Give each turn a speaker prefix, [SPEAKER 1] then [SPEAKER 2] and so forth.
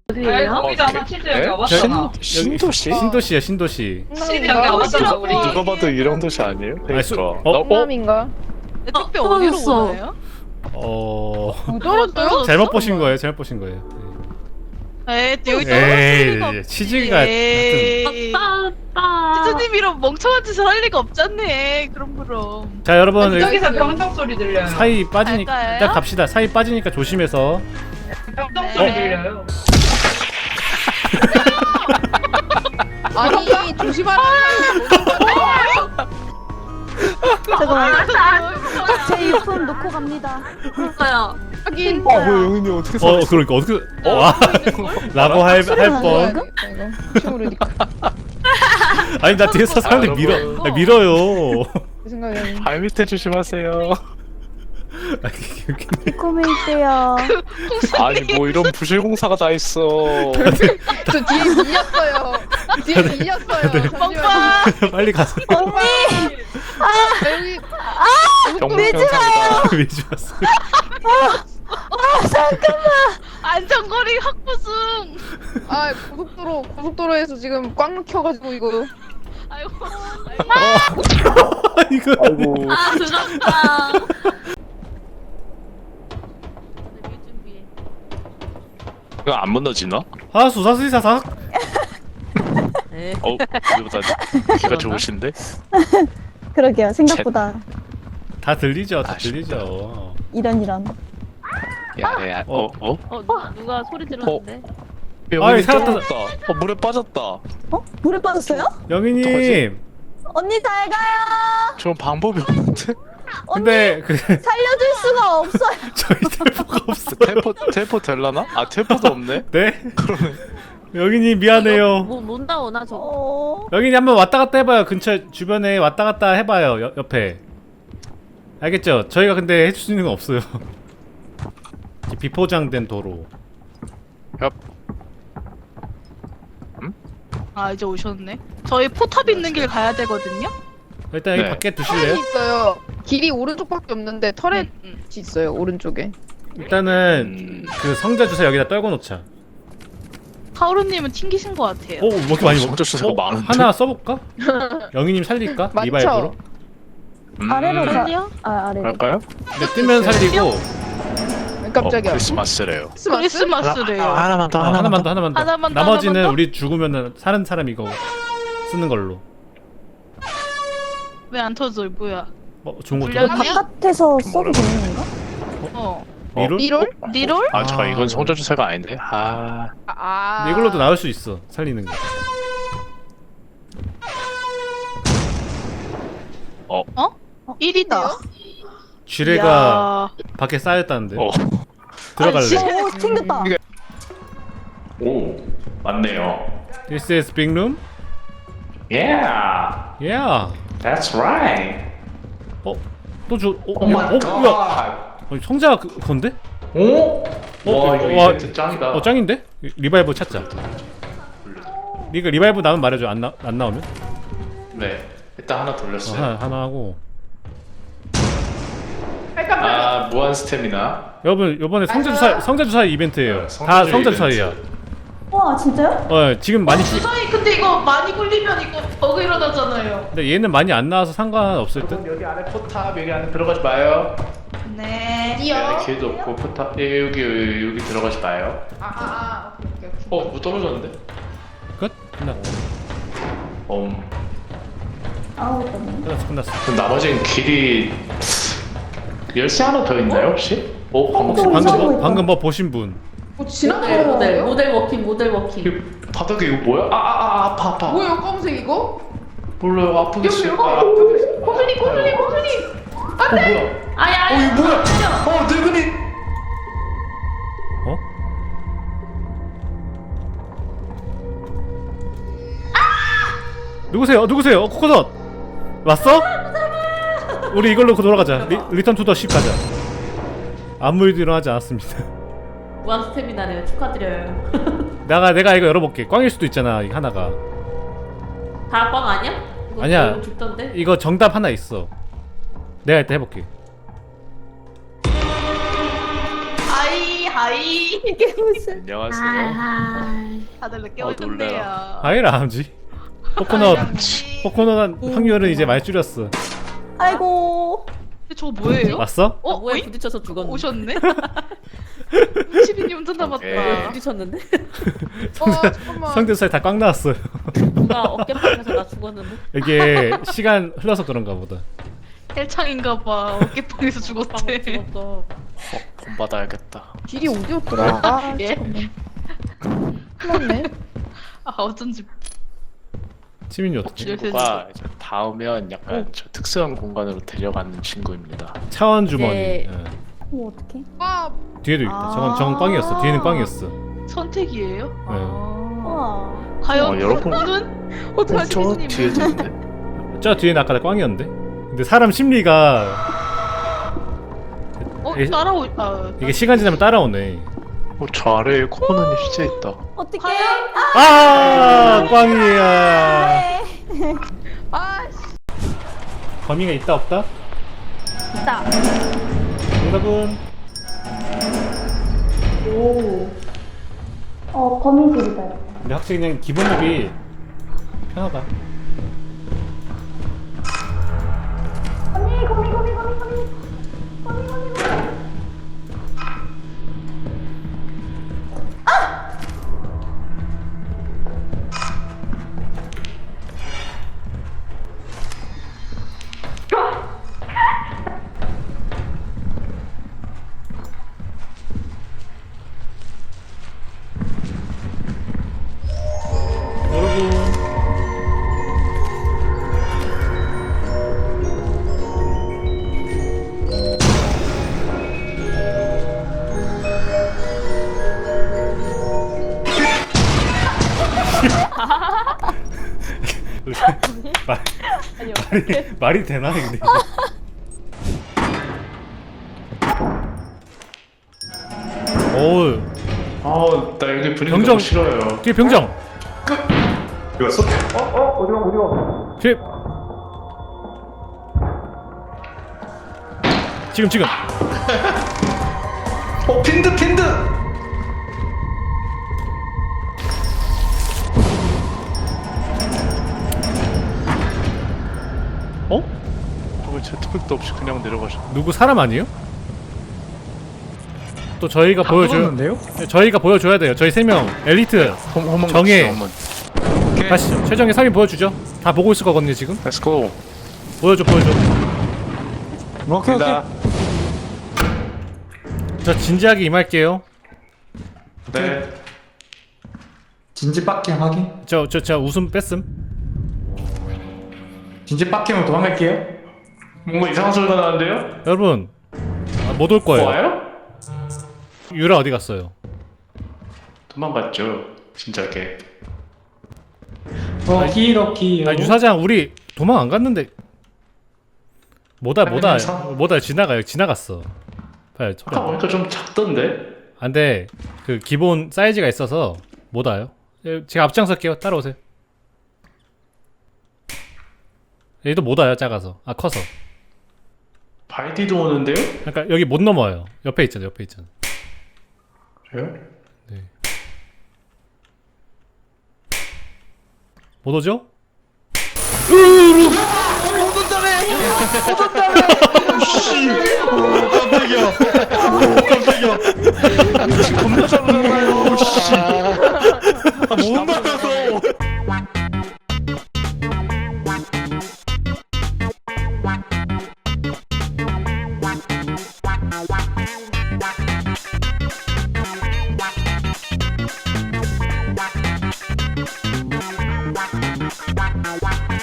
[SPEAKER 1] 어디예요?
[SPEAKER 2] 거기잖아. 치즈 여기
[SPEAKER 3] 네?
[SPEAKER 2] 와봤잖아.
[SPEAKER 3] 신도시?
[SPEAKER 4] 신도시야 신도시.
[SPEAKER 2] 치즈 여기 와봤잖아 우리.
[SPEAKER 3] 누가 봐도 이런 도시 아니에요?
[SPEAKER 4] 아니, 수-
[SPEAKER 3] 그러니까
[SPEAKER 4] 어?
[SPEAKER 5] 성남인가?
[SPEAKER 1] 택배 어디로
[SPEAKER 5] 떨어졌어.
[SPEAKER 1] 오나요?
[SPEAKER 5] 떨어졌어요?
[SPEAKER 4] 잘못 보신 거예요. 잘못 보신 거예요.
[SPEAKER 1] 에이 여기
[SPEAKER 4] 에이,
[SPEAKER 1] 떨어질 리가 없지.
[SPEAKER 4] 치즈가
[SPEAKER 1] 에이.
[SPEAKER 5] 따따.
[SPEAKER 1] 치즈님 이런 멍청한 짓을 할 리가 없잖네. 그럼.
[SPEAKER 4] 자 여러분
[SPEAKER 2] 저기서 병정 소리 들려요.
[SPEAKER 4] 사이 빠지니까
[SPEAKER 1] 갈까요?
[SPEAKER 4] 일단 갑시다. 사이 빠지니까 조심해서.
[SPEAKER 2] 병정 소리
[SPEAKER 1] 네.
[SPEAKER 2] 들려요.
[SPEAKER 5] 아니 조심하라.
[SPEAKER 6] 잠깐만 제 유품 놓고 갑니다.
[SPEAKER 5] 그러니까요. 하긴.
[SPEAKER 3] 왜 영인이 어떻게 살았어?
[SPEAKER 4] 그러니까 어떻게 라고 할 뻔.
[SPEAKER 5] 이거 치우르니까.
[SPEAKER 4] 아니 나 뒤에서 사람들
[SPEAKER 3] 여러분.
[SPEAKER 4] 밀어요.
[SPEAKER 5] 그 생각에는.
[SPEAKER 3] 발 밑에 조심하세요.
[SPEAKER 4] 아, 이게
[SPEAKER 6] 이코메 있대요.
[SPEAKER 3] 아니 뭐 이런 부실공사가 다 있어.
[SPEAKER 5] 저 뒤에 밀렸어요. 뒤에 밀렸어요. 잠시만요.
[SPEAKER 4] 빨리 가서
[SPEAKER 5] 여기
[SPEAKER 3] 경무경사입니다.
[SPEAKER 4] 밀지 마세요.
[SPEAKER 1] 안전거리 확보승.
[SPEAKER 5] 아 고속도로에서 지금 꽉 막혀가지고 이거.
[SPEAKER 1] 아이고.
[SPEAKER 4] 이거
[SPEAKER 3] 아이고.
[SPEAKER 5] 아 늦었다.
[SPEAKER 3] 이거 안 무너지나?
[SPEAKER 4] 수사수사삭.
[SPEAKER 3] 우리보다 귀가 좋으신데?
[SPEAKER 6] 그러게요. 생각보다
[SPEAKER 4] 다 들리죠. 다
[SPEAKER 3] 아쉽다.
[SPEAKER 4] 들리죠.
[SPEAKER 6] 이런.
[SPEAKER 3] 야야.
[SPEAKER 5] 누가 소리 들었는데?
[SPEAKER 4] 아이,
[SPEAKER 3] 영인이
[SPEAKER 4] 살았다.
[SPEAKER 3] 떨어졌다. 물에 빠졌다.
[SPEAKER 6] 어? 물에 빠졌어요?
[SPEAKER 4] 영희님.
[SPEAKER 6] 언니 잘 가요.
[SPEAKER 3] 저 방법이 없는데?
[SPEAKER 4] 근데 그
[SPEAKER 6] 살려줄 수가 없어요.
[SPEAKER 4] 저희 텔포가 없어요.
[SPEAKER 3] 텔포 될라나? 아 텔포도 없네?
[SPEAKER 4] 네? 영희님 미안해요.
[SPEAKER 5] 못 나오나 저거?
[SPEAKER 6] 어...
[SPEAKER 4] 영희님 한번 왔다 갔다 해봐요. 근처 주변에 왔다 갔다 해봐요. 옆에. 알겠죠? 저희가 근데 해줄 수 있는 건 없어요. 비포장된 도로.
[SPEAKER 1] 아 이제 오셨네. 저희 포탑 있는 길 가야 되거든요.
[SPEAKER 4] 일단 여기
[SPEAKER 3] 네.
[SPEAKER 4] 밖에
[SPEAKER 5] 터렛이
[SPEAKER 4] 두실래요?
[SPEAKER 5] 있어요. 길이 오른쪽밖에 없는데 터렛이 있어요. 오른쪽에.
[SPEAKER 4] 일단은 그 성자 주사 여기다 떨궈 놓자.
[SPEAKER 1] 하우루님은 튕기신 것 같아요.
[SPEAKER 4] 오, 뭐 이렇게 많이
[SPEAKER 3] 성자 주사가 많은데?
[SPEAKER 4] 하나 써볼까? 영희님 살릴까?
[SPEAKER 5] 많죠?
[SPEAKER 4] 리바이브로?
[SPEAKER 6] 아래로 가.
[SPEAKER 1] 아니요.
[SPEAKER 6] 아래로.
[SPEAKER 3] 갈까요?
[SPEAKER 4] 근데 뜨면 살리고
[SPEAKER 5] 깜짝이야.
[SPEAKER 3] 크리스마스래요.
[SPEAKER 1] 크리스마스래요.
[SPEAKER 3] 하나만 더
[SPEAKER 4] 하나만 더 하나만 더.
[SPEAKER 1] 하나만 더,
[SPEAKER 4] 나머지는
[SPEAKER 1] 하나만 더?
[SPEAKER 4] 우리 죽으면은 사는 사람 이거 쓰는 걸로.
[SPEAKER 1] 왜 안 터져? 뭐야?
[SPEAKER 4] 좋은 거
[SPEAKER 1] 불량이야?
[SPEAKER 4] 들어?
[SPEAKER 6] 바깥에서 써도 되는 건가?
[SPEAKER 1] 어.
[SPEAKER 4] 미롤?
[SPEAKER 5] 리롤?
[SPEAKER 1] 리롤?
[SPEAKER 3] 아 잠깐 이건 성자 주사가 아닌데? 아
[SPEAKER 5] 아.
[SPEAKER 4] 이걸로도 나올 수 있어. 살리는 거.
[SPEAKER 1] 어? 1이다.
[SPEAKER 4] 쥐레가 밖에 쌓였다는데. 들어갈래?
[SPEAKER 6] 오 튕겼다.
[SPEAKER 3] 오 맞네요.
[SPEAKER 4] This is big room?
[SPEAKER 3] Yeah,
[SPEAKER 4] Yeah.
[SPEAKER 3] that's right.
[SPEAKER 4] 또 줘.
[SPEAKER 3] Oh my god.
[SPEAKER 4] 아니, 성자가 그건데?
[SPEAKER 3] 오? 와 이거
[SPEAKER 4] 와,
[SPEAKER 3] 이벤트 짱이다.
[SPEAKER 4] 짱인데? 리바이브 찾자. 리바이브 나면 말해줘. 안 나오면?
[SPEAKER 3] 네, 일단 하나 돌렸어요.
[SPEAKER 4] 하나 하고.
[SPEAKER 3] 아 무한 스태미나.
[SPEAKER 4] 여러분 이번에 성자 주사 이벤트예요.
[SPEAKER 3] 네,
[SPEAKER 4] 다
[SPEAKER 3] 성자
[SPEAKER 4] 성자
[SPEAKER 3] 이벤트.
[SPEAKER 4] 주사이야.
[SPEAKER 6] 와 진짜요?
[SPEAKER 4] 지금 많이
[SPEAKER 1] 주사위 근데 이거 많이 굴리면 이거 버그 일어나잖아요.
[SPEAKER 4] 근데 얘는 많이 안 나와서 상관없을 듯.
[SPEAKER 3] 여기 안에 포탑 여기 안에 들어가지 마요.
[SPEAKER 1] 네.
[SPEAKER 3] 네, 길도 없고 포탑 여기 들어가지 마요.
[SPEAKER 5] 오케이.
[SPEAKER 3] 뭐 떨어졌는데?
[SPEAKER 4] 끝? 끝났다.
[SPEAKER 6] 아우 떴네.
[SPEAKER 4] 끝났어.
[SPEAKER 3] 그럼 나머지는 길이 열쇠 하나 더 있나요 혹시?
[SPEAKER 4] 방금 뭐 보신 분.
[SPEAKER 5] 지나가요. 모델 워킹.
[SPEAKER 3] 바닥에 이거 뭐야? 아파.
[SPEAKER 5] 뭐예요 검색 이거?
[SPEAKER 3] 몰라요 아프겠어요.
[SPEAKER 5] 고순이.
[SPEAKER 3] 뭐야?
[SPEAKER 5] 아야.
[SPEAKER 3] 이거 뭐야? 늙은이.
[SPEAKER 4] 어? 누구세요? 코코넛 왔어? 우리 이걸로 돌아가자. 리턴 투 더 십 가자. 아무 일도 일어나지 않았습니다.
[SPEAKER 7] 무한 스태미나네요. 축하드려요.
[SPEAKER 4] 내가 이거 열어볼게. 꽝일 수도 있잖아. 이 하나가.
[SPEAKER 7] 다 꽝 아니야? 이거
[SPEAKER 4] 아니야.
[SPEAKER 7] 너무 죽던데?
[SPEAKER 4] 이거 정답 하나 있어. 내가 일단 해볼게.
[SPEAKER 1] 하이 하이.
[SPEAKER 6] 이게 무슨.
[SPEAKER 8] 안녕하세요.
[SPEAKER 1] 다들 늦게
[SPEAKER 8] 어,
[SPEAKER 1] 오셨네요.
[SPEAKER 4] 아이라 함지. 코코넛 확률은 이제 많이 줄였어.
[SPEAKER 6] 아이고.
[SPEAKER 1] 근데 저거 뭐예요?
[SPEAKER 4] 왔어?
[SPEAKER 1] 어?
[SPEAKER 7] 뭐에
[SPEAKER 1] 어이?
[SPEAKER 7] 부딪혀서 죽었는데.
[SPEAKER 1] 오셨네? 시빈님 운전 남았다.
[SPEAKER 8] 오케이.
[SPEAKER 7] 부딪혔는데?
[SPEAKER 5] 잠깐만.
[SPEAKER 4] 상대살 다 꽉 나왔어요.
[SPEAKER 7] 누가 어깨빵에서 나 죽었는데?
[SPEAKER 4] 이게 시간 흘러서 그런가 보다.
[SPEAKER 1] 헬창인가봐. 어깨빵에서 죽었대.
[SPEAKER 7] 죽었어.
[SPEAKER 8] 돈 받아야겠다.
[SPEAKER 5] 길이 어디였더라? 아,
[SPEAKER 1] 예?
[SPEAKER 5] 잠깐만. 큰일났네.
[SPEAKER 1] 아 어쩐지.
[SPEAKER 4] 치민이 어떻게?
[SPEAKER 8] 친구가 이제 닿으면 약간 저 특수한 공간으로 데려가는 친구입니다.
[SPEAKER 4] 차원 주머니.
[SPEAKER 1] 네.
[SPEAKER 4] 예.
[SPEAKER 6] 뭐 어떡해?
[SPEAKER 5] 와,
[SPEAKER 4] 뒤에도 있다. 저건 꽝이었어. 뒤에는 꽝이었어.
[SPEAKER 1] 선택이에요?
[SPEAKER 4] 네.
[SPEAKER 6] 우와.
[SPEAKER 1] 과연
[SPEAKER 3] 여러분.
[SPEAKER 1] 그분은? 어떡하지
[SPEAKER 8] 저
[SPEAKER 1] 시빈님?
[SPEAKER 8] 뒤에도 있는데?
[SPEAKER 4] 저 뒤에는 아까 꽝이었는데. 근데 사람 심리가
[SPEAKER 1] 따라오.
[SPEAKER 4] 이게 시간 지나면 따라오네.
[SPEAKER 3] 저 아래에 코코넛이 진짜 있다.
[SPEAKER 6] 어떡해?
[SPEAKER 4] 아, 꽝이야.
[SPEAKER 6] 네.
[SPEAKER 5] 아,
[SPEAKER 4] 범위가 있다 없다?
[SPEAKER 6] 있다.
[SPEAKER 4] 정답은
[SPEAKER 6] 오. 거미줄이다.
[SPEAKER 4] 근데 확실히 그냥 기본력이 편하다.
[SPEAKER 6] 거미.
[SPEAKER 4] 여러분 말이 되나 근데? 어우
[SPEAKER 3] 나 여기 분위기
[SPEAKER 4] 병정.
[SPEAKER 3] 너무 싫어요.
[SPEAKER 4] 뒤에 병정.
[SPEAKER 3] 이거 쏟. 어디가?
[SPEAKER 4] 뒤에 지금
[SPEAKER 3] 핀드.
[SPEAKER 4] 어?
[SPEAKER 3] 왜 제트팩도 없이 그냥 내려가셨?
[SPEAKER 4] 누구 사람 아니에요? 또 저희가 저희가 보여줘야 돼요. 저희 3명 엘리트 정해. 가시죠. 최정의 3위 보여주죠. 다 보고 있을 거거든요 지금.
[SPEAKER 3] Let's go.
[SPEAKER 4] 보여줘.
[SPEAKER 3] 오케이.
[SPEAKER 4] 저 진지하게 임할게요.
[SPEAKER 3] 네.
[SPEAKER 9] 진지 빡킹 확인.
[SPEAKER 4] 저 웃음 뺐음.
[SPEAKER 9] 진지 빡킹으로 도망갈게요.
[SPEAKER 3] 뭔가 이상한 소리가 나는데요?
[SPEAKER 4] 여러분 못 올 거예요.
[SPEAKER 3] 와요?
[SPEAKER 4] 유라 어디 갔어요?
[SPEAKER 3] 도망갔죠. 진짜게.
[SPEAKER 9] 오키로키요.
[SPEAKER 4] 아 유사장 우리 도망 안 갔는데. 뭐다 지나갔어. 봐요.
[SPEAKER 3] 아까 보니까 좀 작던데.
[SPEAKER 4] 안돼 그 기본 사이즈가 있어서 못 와요. 제가 앞장설게요. 따라오세요. 얘도 못 와요. 작아서. 아 커서.
[SPEAKER 3] 바이디도 오는데요?
[SPEAKER 4] 그러니까 여기 못 넘어와요. 옆에 있잖아.
[SPEAKER 3] 그래요?
[SPEAKER 4] 못 오죠?
[SPEAKER 3] 깜짝이야. 겁나 잘하잖아요. 씨.